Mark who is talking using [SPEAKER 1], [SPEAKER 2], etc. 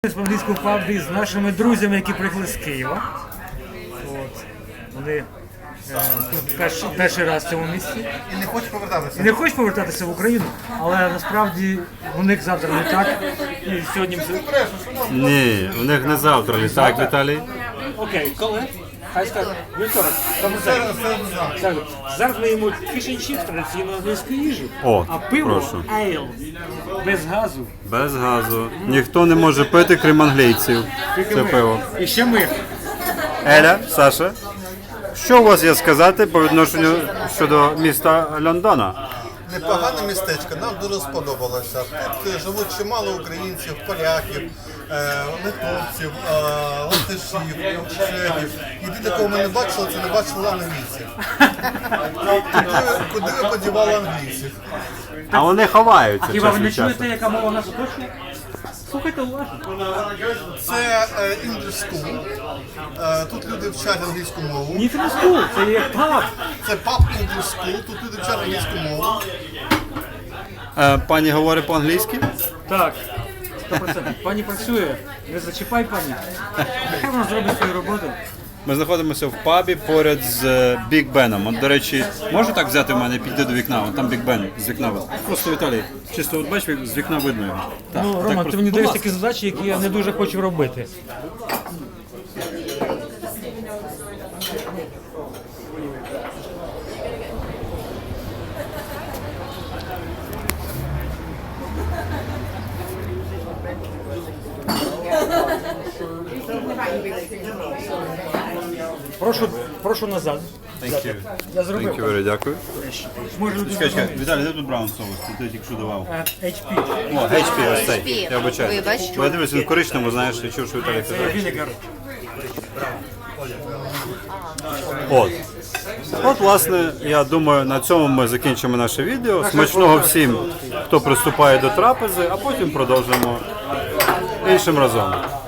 [SPEAKER 1] В англійському пабі з нашими друзями, які приїхали з Києва. От. Вони тут перший раз в цьому місці.
[SPEAKER 2] І не хочуть повертатися.
[SPEAKER 1] І не хочуть повертатися в Україну, але насправді у них завтра не так. І сьогодні...
[SPEAKER 3] Ні, у них не завтра літак, Віталій.
[SPEAKER 1] Окей, коли? Хай скажуть, вівторок. Зараз ми їмо фіш-н-чіпс, традиційну англійську їжу.
[SPEAKER 3] О,
[SPEAKER 1] а пиво
[SPEAKER 3] прошу.
[SPEAKER 1] ейл, без газу.
[SPEAKER 3] Без газу. Ніхто не може пити, крім англійців. Це пиво.
[SPEAKER 1] І ще ми.
[SPEAKER 3] Еля, Саша, що у вас є сказати по відношенню щодо міста Лондона?
[SPEAKER 2] Непогане містечко, нам дуже сподобалося. Тут живуть чимало українців, поляків, литовців, латишів, чехів. Єдине, кого ми не бачили, це не бачили англійців. Куди ви подівали англійців?
[SPEAKER 3] А вони ховаються
[SPEAKER 1] Хіба ви
[SPEAKER 3] час
[SPEAKER 1] не
[SPEAKER 3] від часу.
[SPEAKER 1] чуєте, яка мова нас оточує? Слухайте уважно.
[SPEAKER 2] Це English School. Тут люди вчать англійську мову.
[SPEAKER 1] Ні, це не скул, це є паб.
[SPEAKER 2] Це pub English School, тут люди вчать англійську мову.
[SPEAKER 3] Пані говорить по-англійськи?
[SPEAKER 1] Так, 100%. Пані працює, не зачіпай пані. Нехай вона зробить свою роботу.
[SPEAKER 3] Ми знаходимося в пабі поряд з Біг Беном. От, до речі, можна так взяти в мене і піти до вікна? От там Біг Бен з вікна. Просто, Віталій, чисто от бачиш, з вікна видно його. Так,
[SPEAKER 1] Ну,
[SPEAKER 3] так
[SPEAKER 1] Рома,
[SPEAKER 3] просто.
[SPEAKER 1] ти мені
[SPEAKER 3] Будь
[SPEAKER 1] даєш
[SPEAKER 3] ласка.
[SPEAKER 1] такі задачі, які я не дуже хочу робити. Прошу назад.
[SPEAKER 3] Thank you.
[SPEAKER 1] Я
[SPEAKER 3] Thank
[SPEAKER 1] зробив.
[SPEAKER 3] you very, дякую.
[SPEAKER 1] Може люди
[SPEAKER 3] Чекай, Віталій, де тут браун соус? Ти тільки що давав.
[SPEAKER 1] HP.
[SPEAKER 3] О, HP, ось цей.
[SPEAKER 4] HP.
[SPEAKER 3] Я вибачаю.
[SPEAKER 4] Вибач.
[SPEAKER 3] Бо я дивлюсь, він в коричневому, знаєш, я чув, що Віталій казав.
[SPEAKER 1] Вінегар.
[SPEAKER 3] От. От, власне, я думаю, на цьому ми закінчимо наше відео. Смачного всім, хто приступає до трапези, а потім продовжимо іншим разом.